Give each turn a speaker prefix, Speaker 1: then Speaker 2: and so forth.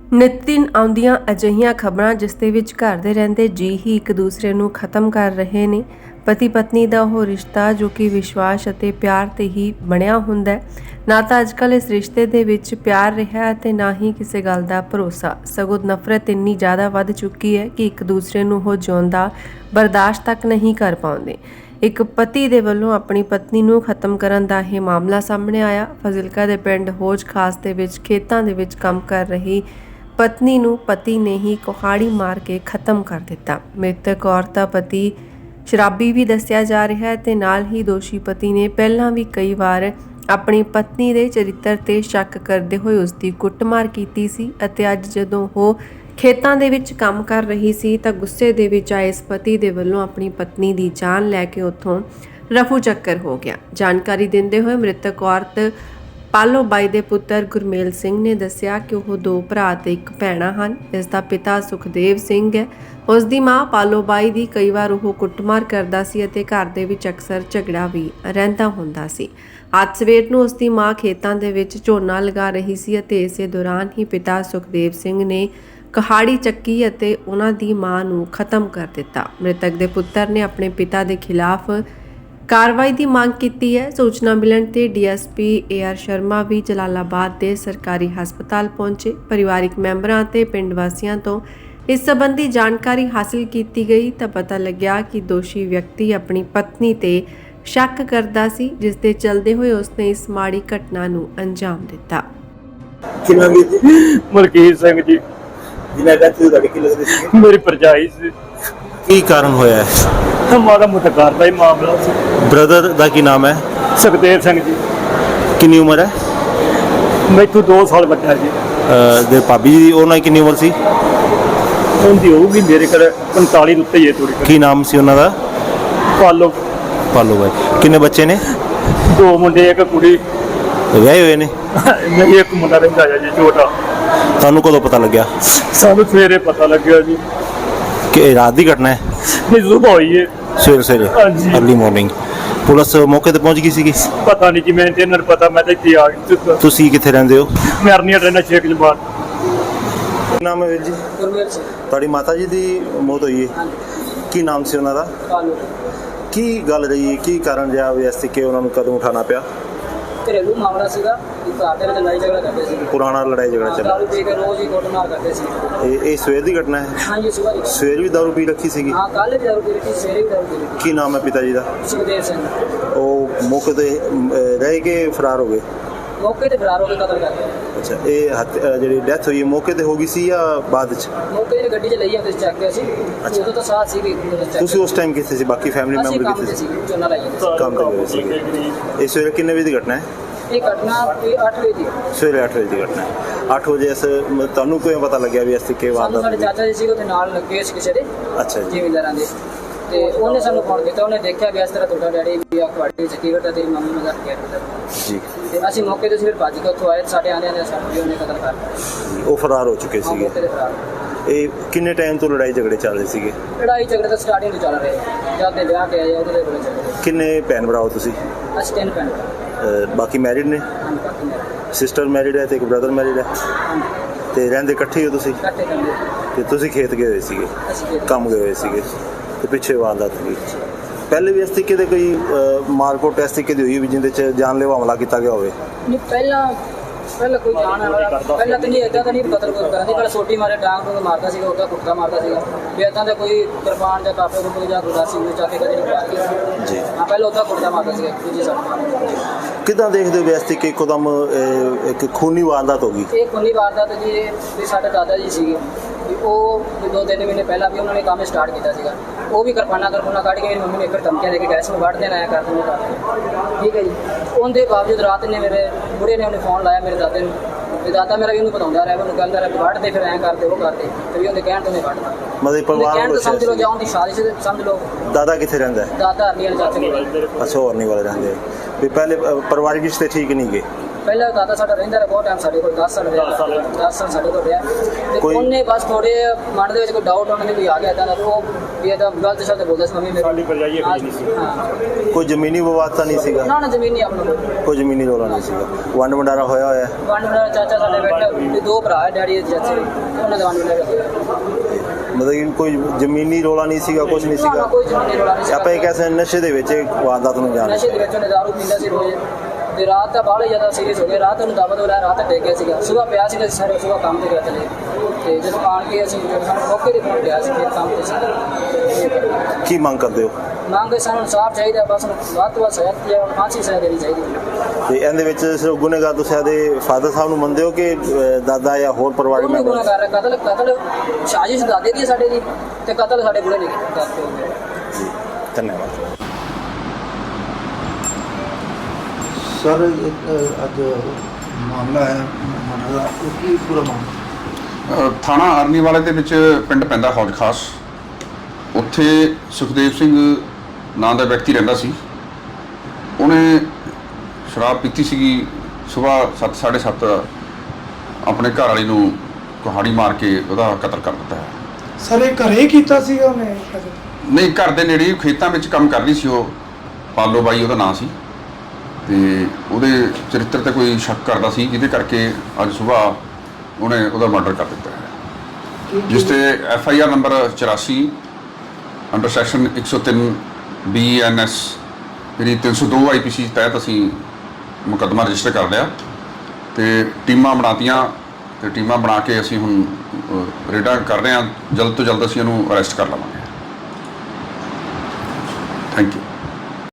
Speaker 1: ਨਿਤ ਦਿਨ ਆਉਂਦੀਆਂ ਅਜਿਹੀਆਂ ਖਬਰਾਂ ਜਿਸ ਦੇ ਵਿੱਚ ਘਰ ਦੇ ਰਹਿੰਦੇ ਜੀ ਹੀ ਇੱਕ ਦੂਸਰੇ ਨੂੰ ਖਤਮ ਕਰ ਰਹੇ ਨੇ। ਪਤੀ ਪਤਨੀ ਦਾ ਉਹ ਰਿਸ਼ਤਾ ਜੋ ਕਿ ਵਿਸ਼ਵਾਸ ਅਤੇ ਪਿਆਰ ਤੇ ਹੀ ਬਣਿਆ ਹੁੰਦਾ ਹੈ। ਨਾ ਤਾਂ ਅੱਜਕੱਲ ਇਸ ਰਿਸ਼ਤੇ ਦੇ ਵਿੱਚ ਪਿਆਰ ਰਿਹਾ ਤੇ ਨਾ ਹੀ ਕਿਸੇ ਗੱਲ ਦਾ ਭਰੋਸਾ, ਸਗੋਂ ਨਫ਼ਰਤ ਇੰਨੀ ਜ਼ਿਆਦਾ ਵੱਧ ਚੁੱਕੀ ਹੈ ਕਿ ਇੱਕ ਦੂਸਰੇ ਨੂੰ ਉਹ ਜਿਉਂਦਾ ਬਰਦਾਸ਼ਤ ਤੱਕ ਨਹੀਂ ਕਰ ਪਾਉਂਦੇ। ਇੱਕ ਪਤੀ ਦੇ ਵੱਲੋਂ ਆਪਣੀ ਪਤਨੀ ਨੂੰ ਖਤਮ ਕਰਨ ਦਾ ਇਹ ਮਾਮਲਾ ਸਾਹਮਣੇ ਆਇਆ। ਫਾਜ਼ਿਲਕਾ ਦੇ ਪਿੰਡ ਹੋਜ ਖਾਸ ਦੇ ਵਿੱਚ ਖੇਤਾਂ ਦੇ ਵਿੱਚ ਕੰਮ ਕਰ ਰਹੀ ਪਤਨੀ ਨੂੰ ਪਤੀ ਨੇ ਹੀ ਕੁਹਾੜੀ ਮਾਰ ਕੇ ਖਤਮ ਕਰ ਦਿੱਤਾ। ਮ੍ਰਿਤਕ ਔਰਤ ਦਾ ਪਤੀ ਸ਼ਰਾਬੀ ਵੀ ਦੱਸਿਆ ਜਾ ਰਿਹਾ ਹੈ ਤੇ ਨਾਲ ਹੀ ਦੋਸ਼ੀ ਪਤੀ ਨੇ ਪਹਿਲਾਂ ਵੀ ਕਈ ਵਾਰ ਆਪਣੀ ਪਤਨੀ ਦੇ ਚਰਿੱਤਰ ਤੇ ਸ਼ੱਕ ਕਰਦੇ ਹੋਏ ਉਸ ਦੀ ਕੁੱਟਮਾਰ ਕੀਤੀ ਸੀ ਅਤੇ ਅੱਜ ਜਦੋਂ ਉਹ ਖੇਤਾਂ ਦੇ ਵਿੱਚ ਕੰਮ ਕਰ ਰਹੀ ਸੀ ਤਾਂ ਗੁੱਸੇ ਦੇ ਵਿੱਚ ਆਏ ਇਸ ਪਤੀ ਦੇ ਵੱਲੋਂ ਆਪਣੀ ਪਤਨੀ ਦੀ ਜਾਨ ਲੈ ਕੇ ਉੱਥੋਂ ਰਫੂ ਚੱਕਰ ਹੋ ਗਿਆ। ਜਾਣਕਾਰੀ ਦਿੰਦੇ ਹੋਏ ਮ੍ਰਿਤਕ ਔਰਤ ਪਾਲੋ ਬਾਈ ਦੇ ਪੁੱਤਰ ਗੁਰਮੇਲ ਸਿੰਘ ਨੇ ਦੱਸਿਆ ਕਿ ਉਹ ਦੋ ਭਰਾ ਤੇ ਇੱਕ ਭੈਣਾ ਹਨ। ਇਸ ਦਾ ਪਿਤਾ ਸੁਖਦੇਵ ਸਿੰਘ ਹੈ। ਉਸ ਦੀ ਮਾਂ ਪਾਲੋ ਬਾਈ ਦੀ ਕਈ ਵਾਰ ਉਹ ਕੁੱਟਮਾਰ ਕਰਦਾ ਸੀ ਅਤੇ ਘਰ ਦੇ ਵਿੱਚ ਅਕਸਰ ਝਗੜਾ ਵੀ ਰਹਿੰਦਾ ਹੁੰਦਾ ਸੀ। ਅੱਜ ਸਵੇਰ ਨੂੰ ਉਸ ਦੀ ਮਾਂ ਖੇਤਾਂ ਦੇ ਵਿੱਚ ਝੋਨਾ ਲਗਾ ਰਹੀ ਸੀ ਅਤੇ ਇਸੇ ਦੌਰਾਨ ਹੀ ਪਿਤਾ ਸੁਖਦੇਵ ਸਿੰਘ ਨੇ ਕੁਹਾੜੀ ਚੱਕੀ ਅਤੇ ਉਹਨਾਂ ਦੀ ਮਾਂ ਨੂੰ ਖਤਮ ਕਰ ਦਿੱਤਾ। ਮ੍ਰਿਤਕ ਦੇ ਪੁੱਤਰ ਨੇ ਆਪਣੇ ਪਿਤਾ ਦੇ ਖਿਲਾਫ ਕਾਰਵਾਈ ਦੀ ਮੰਗ ਕੀਤੀ ਹੈ। ਸੂਚਨਾ ਮਿਲਣ ਤੇ ਡੀਐਸਪੀ ਏਆਰ ਸ਼ਰਮਾ ਵੀ ਜਲਾਲਾਬਾਦ ਦੇ ਸਰਕਾਰੀ ਹਸਪਤਾਲ ਪਹੁੰਚੇ। ਪਰਿਵਾਰਿਕ ਮੈਂਬਰਾਂ ਤੇ ਪਿੰਡ ਵਾਸੀਆਂ ਤੋਂ ਇਸ ਸੰਬੰਧੀ ਜਾਣਕਾਰੀ ਹਾਸਲ ਕੀਤੀ ਗਈ ਤਾਂ ਪਤਾ ਲੱਗਿਆ ਕਿ ਦੋਸ਼ੀ ਵਿਅਕਤੀ ਆਪਣੀ ਪਤਨੀ ਤੇ ਸ਼ੱਕ ਕਰਦਾ ਸੀ, ਜਿਸ ਦੇ ਚਲਦੇ ਹੋਏ ਉਸਨੇ ਇਸ ਮਾੜੀ ਘਟਨਾ ਨੂੰ ਅੰਜਾਮ ਦਿੱਤਾ।
Speaker 2: ਕਿੰਨਾ ਵੀ
Speaker 3: ਮਲਕੀਤ ਸਿੰਘ ਜੀ
Speaker 2: ਜਿਨ੍ਹਾਂ ਦਾ ਤੁਹਾਡੇ ਕੀ ਲੱਗਦੇ ਸੀ?
Speaker 3: ਮੇਰੀ ਭਰਜਾਈ ਸੀ।
Speaker 2: ਕੀ ਕਾਰਨ ਹੋਇਆ ਹੈ?
Speaker 3: ਮਾੜਾ ਮੋਟਾ ਘਰ ਦਾ ਹੀ ਮਾਮਲਾ ਸੀ।
Speaker 2: ਬ੍ਰਦਰ ਦਾ ਕੀ ਨਾਮ ਹੈ?
Speaker 3: ਸੁਖਦੇਵ ਸਿੰਘ ਜੀ।
Speaker 2: ਕਿੰਨੀ ਉਮਰ ਹੈ?
Speaker 3: ਮੈਥੋਂ 2 ਸਾਲ ਵੱਡਾ ਜੀ।
Speaker 2: ਦੇ ਭਾਬੀ ਜੀ ਉਹਨਾਂ ਦੀ ਕਿੰਨੀ ਉਮਰ ਸੀ?
Speaker 3: ਉਹਦੀ ਹੋਊਗੀ ਮੇਰੇ ਕੋਲ 45 ਦੇ ਉੱਤੇ ਹੀ ਹੈ ਥੋੜੀ।
Speaker 2: ਕੀ ਨਾਮ ਸੀ ਉਹਨਾਂ ਦਾ?
Speaker 3: ਪਾਲੋ
Speaker 2: ਬਾਈ। ਕਿੰਨੇ ਬੱਚੇ ਨੇ?
Speaker 3: 2 ਮੁੰਡੇ ਇੱਕ ਕੁੜੀ।
Speaker 2: ਵਿਆਹੇ ਹੋਏ ਨੇ?
Speaker 3: ਨਹੀਂ, ਇੱਕ ਮੁੰਡਾ ਰਹਿੰਦਾ ਹੈ ਜੀ ਛੋਟਾ।
Speaker 2: ਤੁਹਾਨੂੰ ਕਦੋਂ ਪਤਾ ਲੱਗਿਆ?
Speaker 3: ਸਾਨੂੰ ਸਵੇਰੇ ਪਤਾ ਲੱਗਿਆ ਜੀ
Speaker 2: ਕਿ ਇਹ ਰਾਤ ਦੀ ਘਟਨਾ ਹੈ?
Speaker 3: ਨਹੀਂ, ਸੁਬਾਹ ਹੋਈ ਹੈ।
Speaker 2: ਸਵੇਰੇ
Speaker 3: ਹਾਂਜੀ।
Speaker 2: ਅਰਲੀ ਮਾਰਨਿੰਗ ਪੁਲਿਸ ਮੌਕੇ ਤੇ ਪਹੁੰਚ ਗਈ ਸੀਗੀ?
Speaker 3: ਪਤਾ ਨਹੀਂ ਜੀ, ਮੈਂ ਤੇ ਇਹਨਾਂ ਨੂੰ ਪਤਾ, ਮੈਂ ਤਾਂ ਇੱਥੇ ਆ ਗਿਆ।
Speaker 2: ਤੁਸੀਂ ਕਿੱਥੇ ਰਹਿੰਦੇ ਹੋ?
Speaker 3: ਮੈਂ ਅਰਨੀਆ ਰਹਿਣਾ ਸ਼ੇਖ ਜਮਾਤ।
Speaker 2: ਕੀ ਨਾਮ ਹੈ ਵੀਰ ਜੀ?
Speaker 4: ਗੁਰਮੇਲ ਸਿੰਘ।
Speaker 2: ਤੁਹਾਡੀ ਮਾਤਾ ਜੀ ਦੀ ਮੌਤ ਹੋਈ ਹੈ, ਕੀ ਨਾਮ ਸੀ ਉਹਨਾਂ ਦਾ?
Speaker 4: ਪਾਲੋ।
Speaker 2: ਕੀ ਗੱਲ ਰਹੀ, ਕੀ ਕਾਰਨ ਰਿਹਾ ਵੀ ਇਸ ਤਰੀਕੇ ਉਹਨਾਂ ਨੂੰ ਕਦਮ ਉਠਾਉਣਾ ਪਿਆ?
Speaker 4: ਘਰੇਲੂ ਮਾਮਲਾ ਸੀਗਾ ਕਿ ਘਰ ਦੇ ਵਿੱਚ ਲੜਾਈ ਝਗੜਾ ਕਰਦੇ ਸੀ।
Speaker 2: ਪੁਰਾਣਾ ਲੜਾਈ ਝਗੜਾ ਚੱਲ
Speaker 4: ਦਾਰੂ ਪੀ ਕੇ ਰੋਜ਼ ਹੀ ਕੁੱਟਮਾਰ ਕਰਦੇ ਸੀ।
Speaker 2: ਇਹ ਸਵੇਰ ਦੀ ਘਟਨਾ ਹੈ?
Speaker 4: ਹਾਂਜੀ, ਸੁਬਾਹ ਦੀ।
Speaker 2: ਸਵੇਰ ਵੀ ਦਾਰੂ ਪੀ ਰੱਖੀ ਸੀਗੀ?
Speaker 4: ਹਾਂ, ਕੱਲ੍ਹ ਵੀ ਦਾਰੂ ਪੀ ਰੱਖੀ, ਸਵੇਰੇ ਵੀ ਦਾਰੂ ਪੀ ਰੱਖੀ।
Speaker 2: ਕੀ ਨਾਮ ਹੈ ਪਿਤਾ ਜੀ ਦਾ?
Speaker 4: ਸੁਖਦੇਵ ਸਿੰਘ।
Speaker 2: ਉਹ ਮੌਕੇ ਤੇ ਰਹਿ ਕੇ ਫਰਾਰ ਹੋ ਗਏ?
Speaker 4: ਮੌਕੇ ਤੇ ਫਰਾਰ ਹੋ ਕੇ ਕਤਲ ਕਰ ਗਿਆ।
Speaker 2: ਅੱਛਾ, ਇਹ ਜਿਹੜੀ ਡੈਥ ਹੋਈ ਹੈ ਮੌਕੇ ਤੇ ਹੋ ਗਈ ਸੀ ਜਾਂ ਬਾਅਦ ਚ?
Speaker 4: ਮੌਕੇ ਤੇ ਗੱਡੀ 'ਚ ਲਈ ਆਉਂਦੇ ਸੀ, ਚੱਕ ਕੇ ਸੀ। ਉਦੋਂ ਤਾਂ ਸਾਥ ਸੀ ਵੀ
Speaker 2: ਤੁਸੀਂ ਉਸ ਟਾਈਮ ਕਿੱਥੇ ਸੀ? ਬਾਕੀ ਫੈਮਿਲੀ
Speaker 4: ਅਸੀਂ
Speaker 2: ਮੈਂਬਰ
Speaker 4: ਕੰਮ
Speaker 2: ਕਿੱਥੇ
Speaker 4: ਤੇ
Speaker 2: ਸੀ?
Speaker 4: ਸੀ, ਝੋਨਾ ਲਾਈ ਜਾਂਦੇ
Speaker 2: ਕੰਮ ਤੇ ਗਏ ਸੀਗੇ। ਇਹ ਸਵੇਰੇ ਕਿੰਨੇ ਵਜੇ ਦੀ ਘਟਨਾ ਹੈ?
Speaker 4: ਸੀ। ਇਹ ਘਟਨਾ ਕੋਈ 8 ਵਜੇ ਦੀ।
Speaker 2: ਸਵੇਰੇ 8 ਵਜੇ ਦੀ ਘਟਨਾ ਹੈ। 8 ਵਜੇ ਤੁਹਾਨੂੰ ਕਿਵੇਂ ਪਤਾ ਲੱਗਿਆ ਵੀ ਇਸ ਤਰੀਕੇ
Speaker 4: ਸਾਨੂੰ ਸਾਡੇ
Speaker 2: ਵਾਰਦਾਤ?
Speaker 4: ਚਾਚਾ ਜੀ ਸੀ, ਉਹਦੇ ਨਾਲ ਲੱਗੇ ਸੀ ਕਿਸੇ ਦੇ
Speaker 2: ਅੱਛਾ ਜੀ।
Speaker 4: ਜ਼ਿਮੀਂਦਾਰਾਂ ਦੇ, ਤੇ ਉਹਨੇ ਸਾਨੂੰ ਫੋਨ ਕੀਤਾ। ਉਹਨੇ ਦੇਖਿਆ ਵੀ ਇਸ ਤਰ੍ਹਾਂ ਤੁਹਾਡਾ ਡੈਡੀ ਵੀ ਆ ਕੁਹਾੜੀ ਚੱਕੀ ਬੈਠਾ, ਤੇਰੀ ਮੰਮੀ ਨੂੰ ਘਰ ਗਿਆ
Speaker 2: ਜੀ।
Speaker 4: ਤੇ ਅਸੀਂ ਮੌਕੇ ਤੇ ਫਿਰ ਭੱਜ ਕੇ ਉੱਥੋਂ ਆਏ। ਸਾਡੇ ਆਉਂਦੇ ਨੇ ਸਾਨੂੰ ਵੀ ਉਹਨੇ ਕਤਲ ਕਰ ਦਿੱਤਾ।
Speaker 2: ਉਹ ਫਰਾਰ ਹੋ ਚੁੱਕੇ ਸੀਗੇ।
Speaker 4: ਮੌਕੇ ਤੇ ਫਰਾਰ।
Speaker 2: ਇਹ ਕਿੰਨੇ ਟਾਈਮ ਤੋਂ ਲੜਾਈ ਝਗੜੇ ਚੱਲ ਰਹੇ ਸੀਗੇ?
Speaker 4: ਲੜਾਈ ਝਗੜੇ ਤਾਂ ਸਟਾਰਟਿੰਗ ਤੋਂ ਚੱਲ ਰਹੇ, ਜਦ ਦੇ ਵਿਆਹ ਕੇ ਆਏ ਉਹਦੇ ਦੇ ਕੋਲ ਚੱਲ
Speaker 2: ਕਿੰਨੇ ਭੈਣ ਭਰਾ ਹੋ ਤੁਸੀਂ?
Speaker 4: ਰਹੇ। ਅਸੀਂ 3 ਭੈਣ
Speaker 2: ਬਾਕੀ ਮੈਰਿਡ ਨੇ?
Speaker 4: ਹਾਂ, ਬਾਕੀ ਮੇਰੇ
Speaker 2: ਸਿਸਟਰ ਮੈਰਿਡ ਹੈ ਤੇ ਇੱਕ ਬ੍ਰਦਰ ਮੈਰਿਡ ਹੈ ਤੇ ਰਹਿੰਦੇ ਇਕੱਠੇ ਹੋ ਤੁਸੀਂ?
Speaker 4: ਇਕੱਠੇ ਕਰਦੇ
Speaker 2: ਤੇ ਤੁਸੀਂ ਖੇਤ ਗਏ ਹੋਏ ਸੀਗੇ,
Speaker 4: ਅਸੀਂ ਖੇਡ
Speaker 2: ਕੰਮ ਗਏ ਹੋਏ ਸੀਗੇ ਤੇ ਪਿੱਛੇ ਵਾਰਦਾਤ ਹੋਈ? ਪਹਿਲੇ ਵੀ ਇਸ ਤਰੀਕੇ ਦੇ ਕੋਈ ਮਾਰਕੋਟ ਇਸ ਤਰੀਕੇ ਦੀ ਹੋਈ ਵੀ ਜਿਹਦੇ ਚ ਜਾਨਲੇਵਾ ਹਮਲਾ ਕੀਤਾ ਗਿਆ ਹੋਵੇ?
Speaker 4: ਨਹੀਂ, ਪਹਿਲਾਂ ਕੋਈ ਜਾਣ ਵਾਲਾ ਪਹਿਲਾਂ ਤਾਂ ਨਹੀਂ, ਇੱਦਾਂ ਤਾਂ ਨਹੀਂ ਕਤਲ ਕਰਨ ਦੀ। ਪਹਿਲਾਂ ਸੋਟੀ ਮਾਰੇ, ਡਾਂਗ ਨੂੰ ਮਾਰਦਾ ਸੀਗਾ, ਉਹਦਾ ਕੁੱਤਾ ਮਾਰਦਾ ਸੀਗਾ ਵੀ ਇੱਦਾਂ ਦਾ ਕੋਈ ਕਿਰਪਾਨ ਜਾਂ ਕਾਪੇ ਨੂੰ ਜਾਂ ਗੁਰਦਾਸੀ ਨੂੰ ਚੱਕ ਕੇ ਕਦੇ ਨਹੀਂ ਪਾਇਆ
Speaker 2: ਜੀ।
Speaker 4: ਹਾਂ, ਪਹਿਲਾਂ ਉਹਦਾ ਕੁੱਤਾ ਮਾਰਦਾ ਸੀਗਾ ਦੂਜੀ ਸਾਈਡ।
Speaker 2: ਕਿੱਦਾਂ ਦੇਖਦੇ ਹੋ ਵੀ ਇਸ ਤਰੀਕੇ ਇੱਕਦਮ ਇੱਕ ਖੂਨੀ ਵਾਰਦਾਤ ਹੋ ਗਈ?
Speaker 4: ਇਹ ਖੂਨੀ ਵਾਰਦਾਤ ਜੀ, ਵੀ ਸਾਡੇ ਦਾਦਾ ਜੀ ਸੀਗੇ ਵੀ ਉਹ 2-3 ਮਹੀਨੇ ਪਹਿਲਾਂ ਵੀ ਉਹਨਾਂ ਨੇ ਕੰਮ ਸਟਾਰਟ ਕੀਤਾ ਸੀਗਾ। ਉਹ ਵੀ ਕਿਰਪਾਨਾਂ ਕੱਢ ਕੇ ਮੇਰੀ ਮੰਮੀ ਨੇ ਇੱਕ ਧਮਕੀਆਂ ਦੇ ਕੇ ਗੈਸ ਨੂੰ ਵੱਢ ਦੇਣਾ ਆਇਆ ਕਰ ਦਿੰਦੇ ਕਰ। ਠੀਕ ਹੈ ਜੀ। ਉਹਦੇ ਬਾਵਜੂਦ ਰਾਤ ਨੇ ਮੇਰੇ ਬੁੜੇ ਨੇ ਉਹਨੇ ਫੋਨ ਲਾਇਆ ਮੇਰੇ ਦਾਦੇ ਨੂੰ, ਤੇ ਦਾਦਾ ਮੇਰਾ ਵੀ ਉਹਨੂੰ ਬਤਾਉਂਦਾ ਰਿਹਾ, ਉਹਨੂੰ ਕਹਿੰਦਾ ਰਿਹਾ ਵੱਢ ਦੇ, ਫਿਰ ਐਂ ਕਰਦੇ ਉਹ ਕਰਦੇ, ਤੇ ਵੀ ਉਹਦੇ ਕਹਿਣ ਤੋਂ ਨਹੀਂ ਵੱਢਦਾ।
Speaker 2: ਮਤਲਬ ਪਰਿਵਾਰ
Speaker 4: ਕਹਿਣ ਤੋਂ ਸਮਝ ਲਓ ਜਾਂ ਉਹਦੀ ਸਾਜ਼ਿਸ਼ ਸਮਝ ਲਓ।
Speaker 2: ਦਾਦਾ ਕਿੱਥੇ ਰਹਿੰਦਾ ਹੈ?
Speaker 4: ਦਾਦਾ ਅਰਨੀਅਲ ਚਾਚੇ ਕੋਲ।
Speaker 2: ਅੱਛਾ, ਹੋਰ ਨਹੀਂ ਵਾਲੇ ਰਹਿੰਦੇ ਵੀ ਪਹਿਲੇ ਪਰਿਵਾਰਿਕ ਰਿਸ਼ਤੇ ਠੀਕ ਨਹੀਂ ਗਏ?
Speaker 4: ਪਹਿਲਾਂ ਦਾਦਾ ਸਾਡਾ ਰਹਿੰਦਾ ਰਿਹਾ ਬਹੁਤ ਟਾਈਮ ਸਾਡੇ ਕੋਲ 10 ਸਾਲ ਰਿਹਾ 10 ਸਾਲ ਸਾਡੇ ਕੋਲ ਰਿਹਾ ਤੇ
Speaker 2: ਕੋਈ-
Speaker 4: ਉਹਨੇ ਬਸ ਥੋੜੇ ਮਨ ਦੇ ਵਿੱਚ ਕੋਈ ਡਾਊਟ ਉਹਨਾਂ ਦੇ ਵੀ ਆ ਗਿਆ ਤਾਂ ਉਹ ਵੀ ਇਹਦਾ ਗਲਤ ਸ਼ਬਦ ਬੋਲਦਾ ਸੀ ਮੰਮੀ
Speaker 3: ਸਾਡੀ ਭਰਜਾਈ ਇਹੋ ਜਿਹੀ ਨਹੀਂ ਸੀ।
Speaker 4: ਹਾਂ
Speaker 2: ਕੋਈ ਜ਼ਮੀਨੀ ਵਿਵਾਦ ਤਾਂ ਨਹੀਂ ਸੀਗਾ?
Speaker 4: ਨਾ ਜ਼ਮੀਨ ਨਹੀਂ ਆਪਣਾ ਕੋਲ
Speaker 2: ਕੋਈ ਜ਼ਮੀਨੀ ਰੌਲਾ ਨਹੀਂ ਸੀਗਾ। ਵੰਡ ਵੰਡਾਰਾ ਹੋਇਆ ਹੋਇਆ ਹੈ?
Speaker 4: ਵੰਡ ਮੇਰਾ ਚਾਚਾ ਸਾਡੇ ਬੈਠੇ ਤੇ 2 ਭਰਾ ਹੈ ਡੈਡੀ ਦੇ ਚਾਚੇ ਉਹਨਾਂ ਦੇ ਵੰਡ ਮੇਰਾ
Speaker 2: ਮਤਲਬ ਕਿ ਕੋਈ ਜ਼ਮੀਨੀ ਰੌਲਾ ਨਹੀਂ ਸੀਗਾ, ਕੁਝ ਨਹੀਂ ਸੀਗਾ?
Speaker 4: ਕੋਈ ਜ਼ਮੀਨੀ ਰੌਲਾ ਨਹੀਂ ਸੀ
Speaker 2: ਆਪਾਂ ਇਹ ਕਹਿ ਸਕਦੇ ਨਸ਼ੇ ਦੇ ਵਿੱਚ ਇਹ ਵਾਰਦਾਤ ਨੂੰ ਜਾਣ
Speaker 4: ਨਸ਼ੇ ਦੇ ਵਿੱਚ ਉਹਨੇ ਦਾਰੂ ਪੀਂਦਾ ਸੀ ਰੋਜ਼ ਤੇ ਰਾਤ ਦਾ ਬਾਹਲਾ ਜ਼ਿਆਦਾ ਸੀਰੀਅਸ ਹੋ ਗਿਆ ਰਾਤ ਨੂੰ ਦਬਾ ਦੋ ਰਾਤ ਡਿੱਗ ਗਿਆ ਸੀਗਾ ਸਵੇਰ ਪਿਆ ਸੀਗਾ ਸਾਰੇ ਸਵੇਰ ਕੰਮ ਤੇ ਗਿਆ ਚਲੇ ਤੇ ਜਦੋਂ ਆਣ ਕੇ ਅਸੀਂ ਸਾਨੂੰ ਮੌਕੇ ਤੇ ਪਹੁੰਚ ਗਿਆ ਸੀ ਫਿਰ ਕੰਮ ਤੇ ਸੀ
Speaker 2: ਕੀ ਮੰਗ ਕਰਦੇ ਹੋ?
Speaker 4: ਮੰਗ ਸਾਨੂੰ ਇਨਸਾਫ ਚਾਹੀਦਾ ਬਸ ਵੱਧ ਤੋਂ ਵੱਧ ਸਜ਼ਾ ਤੇ ਫਾਂਸੀ ਸਜ਼ਾ ਦੇਣੀ ਚਾਹੀਦੀ
Speaker 2: ਤੇ ਇਹਦੇ ਵਿੱਚ ਸਿਰਫ ਗੁਨੇਗਾਰ ਤੁਸੀਂ ਇਹਦੇ ਫਾਦਰ ਸਾਹਿਬ ਨੂੰ ਮੰਨਦੇ ਹੋ ਕਿ ਦਾਦਾ ਜਾਂ ਹੋਰ ਪਰਿਵਾਰਕ
Speaker 4: ਉਹਨੂੰ
Speaker 2: ਮੈਂਬਰ?
Speaker 4: ਗੁਨਾਹ ਕਰ ਰਿਹਾ ਕਤਲ ਸਾਜ਼ਿਸ਼ ਦਾਦੇ ਦੀ ਹੈ ਸਾਡੇ ਦੀ ਤੇ ਕਤਲ ਸਾਡੇ ਬੁੜੇ ਨੇ ਕਰਦੇ
Speaker 2: ਧੰਨਵਾਦ।
Speaker 5: ਸਰ ਇੱਕ ਅੱਜ ਮਾਮਲਾ ਹੈ ਮਰਡਰ ਦਾ ਉਹ ਕੀ ਪੂਰਾ ਮਾਮਲਾ?
Speaker 6: ਥਾਣਾ ਅਰਨੀਵਾਲੇ ਦੇ ਵਿੱਚ ਪਿੰਡ ਪੈਂਦਾ ਹੌਜ ਖਾਸ। ਉੱਥੇ ਸੁਖਦੇਵ ਸਿੰਘ ਨਾਂ ਦਾ ਵਿਅਕਤੀ ਰਹਿੰਦਾ ਸੀ। ਉਹਨੇ ਸ਼ਰਾਬ ਪੀਤੀ ਸੀਗੀ। ਸਵੇਰ 7:30 ਆਪਣੇ ਘਰ ਵਾਲੀ ਨੂੰ ਕੁਹਾੜੀ ਮਾਰ ਕੇ ਉਹਦਾ ਕਤਲ ਕਰ ਦਿੱਤਾ ਹੈ।
Speaker 7: ਸਰ ਇਹ ਘਰੇ ਕੀਤਾ ਸੀਗਾ ਉਹਨੇ ਕਦੇ?
Speaker 6: ਨਹੀਂ, ਘਰ ਦੇ ਨੇੜੇ ਖੇਤਾਂ ਵਿੱਚ ਕੰਮ ਕਰਦੀ ਸੀ ਉਹ। ਪਾਲੋ ਬਾਈ ਉਹਦਾ ਨਾਂ ਸੀ ਤੇ ਉਹਦੇ ਚਰਿੱਤਰ ਤੇ ਕੋਈ ਸ਼ੱਕ ਕਰਦਾ ਸੀ ਜਿਹਦੇ ਕਰਕੇ ਅੱਜ ਸਵੇਰ ਉਹਨੇ ਉਹਦਾ ਮਰਡਰ ਕਰ ਦਿੱਤਾ ਹੈ, ਜਿਸ ਤੇ FIR number 84 under section 103 BNS ਜਿਹੜੀ 302 IPC ਤਹਿਤ ਅਸੀਂ ਮੁਕੱਦਮਾ ਰਜਿਸਟਰ ਕਰ ਲਿਆ ਤੇ ਟੀਮਾਂ ਬਣਾਤੀਆਂ ਤੇ ਟੀਮਾਂ ਬਣਾ ਕੇ ਅਸੀਂ ਹੁਣ ਰੇਡਾਂ ਕਰ ਰਹੇ ਹਾਂ। ਜਲਦ ਤੋਂ ਜਲਦ ਅਸੀਂ ਇਹਨੂੰ ਅਰੈਸਟ ਕਰ ਲਵਾਂਗੇ।